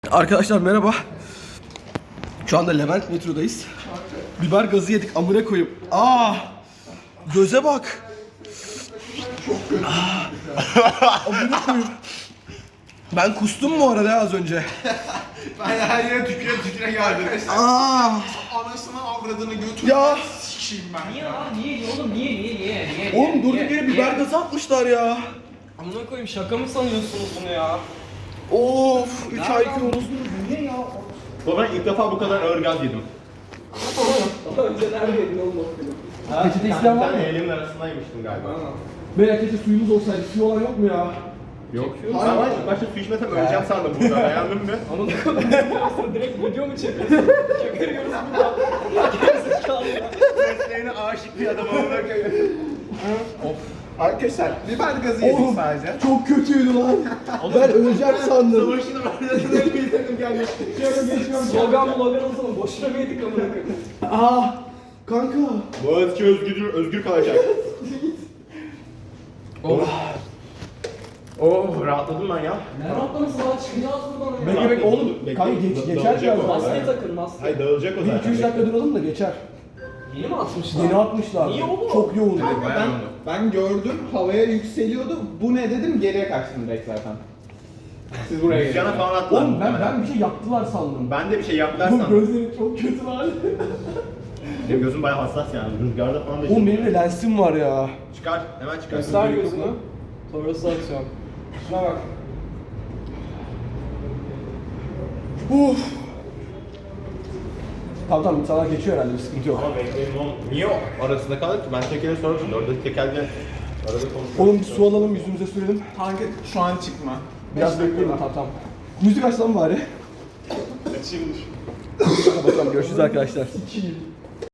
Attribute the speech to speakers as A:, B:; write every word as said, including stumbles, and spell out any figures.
A: Arkadaşlar merhaba. Şu anda Levent metrodayız. Biber gazı yedik, amına koyup. Aa! Göze bak. Aa, amına koyup. Ben kustum mu arada az önce?
B: Ben her yere tüküre tüküre geldim.
A: Aa!
B: Anasını avradını götür.
A: Ya!
B: Sikeyim ben.
C: Niye lan? Niye? Oğlum niye? Niye? Niye? Niye?
A: Oğlum
C: niye,
A: durduk
C: niye,
A: yere
C: niye?
A: biber gazı atmışlar ya.
C: Amına koyayım, şaka mı sanıyorsunuz bunu ya?
A: Of! üç ay yiyoruz.
C: Niye ya?
D: Ben ilk defa bu kadar ağır gaz yedim.
C: Daha önce neredeydin oğlum?
A: Peçete
D: Bir
A: isteyen var mı?
D: tane elimin arasındaymıştım galiba.
A: Beyler keşke suyumuz olsaydı. Suyu olan yok mu ya?
D: Yok. Ben var ilk başta su içmesem öleceğim sandım burada. Beğendin mi?
C: Amına koyayım. Direkt video mu çekiyorsun? Çakırıyoruz burada. Gerizekalı ya.
D: Mesleğine aşık bir adam olmak.
B: Arkadaşlar biber gazı yedik
A: Oğlum
B: sadece.
A: çok kötüydü lan. Ben öleceğim sandım.
D: Savaşın arasında bir takım gelmiş.
C: Slogan mı logan olsun? Boşuna mı yedik amına koyayım?
A: Aa! Kanka.
D: Boğaziçi özgür, özgür kalacak. Oh. Oh, rahatladım ben ya.
C: Ne rahatlaması lan? Çıkacağız buradan ya.
A: Bekle bekle oğlum.
D: Bekle,
A: Kanka
D: bekle,
A: geç,
D: da-
A: geçer
D: dağılacak
A: biraz
D: o.
A: daha.
C: Maske takın, maske.
D: Hayır dağılacak o
A: Bir
D: zaten.
A: iki üç dakika duralım da geçer.
C: Yeni mi atmışlar?
A: Yeni atmışlar.
C: Niye oğlum?
A: Çok yoğun.
B: Ben, ben gördüm havaya yükseliyordu. Bu ne dedim geriye kaçtım direkt zaten. Siz buraya gelin.
D: Dükkana falan attılar.
A: Oğlum ben
D: muhtemelen.
A: ben bir şey yaptılar sandım.
D: Ben de bir şey yaptılar
A: Oğlum
D: sandım.
A: gözlerim çok kötü lan.
D: Benim gözüm bayağı hassas yani. Rüzgarda falan da
A: Oğlum benim de lensim var ya.
D: Çıkar, hemen çıkar.
C: Göster gözünü. Sonrası atıyorum. Şuna bak.
A: Uf. Tamam tamam insanlar geçiyor herhalde bir sıkıntı yok.
D: Ama benim oğlum niye o arasında kalır ki? Ben tekere sordum. Orada tekerle arada konuşuyorum.
A: Oğlum bir su alalım yüzümüze sürelim.
B: Kanka şu an çıkma.
A: Biraz bekleyelim tamam tamam. Müzik aç lan bari.
B: Açayım dur.
A: Hadi bakalım görüşürüz arkadaşlar.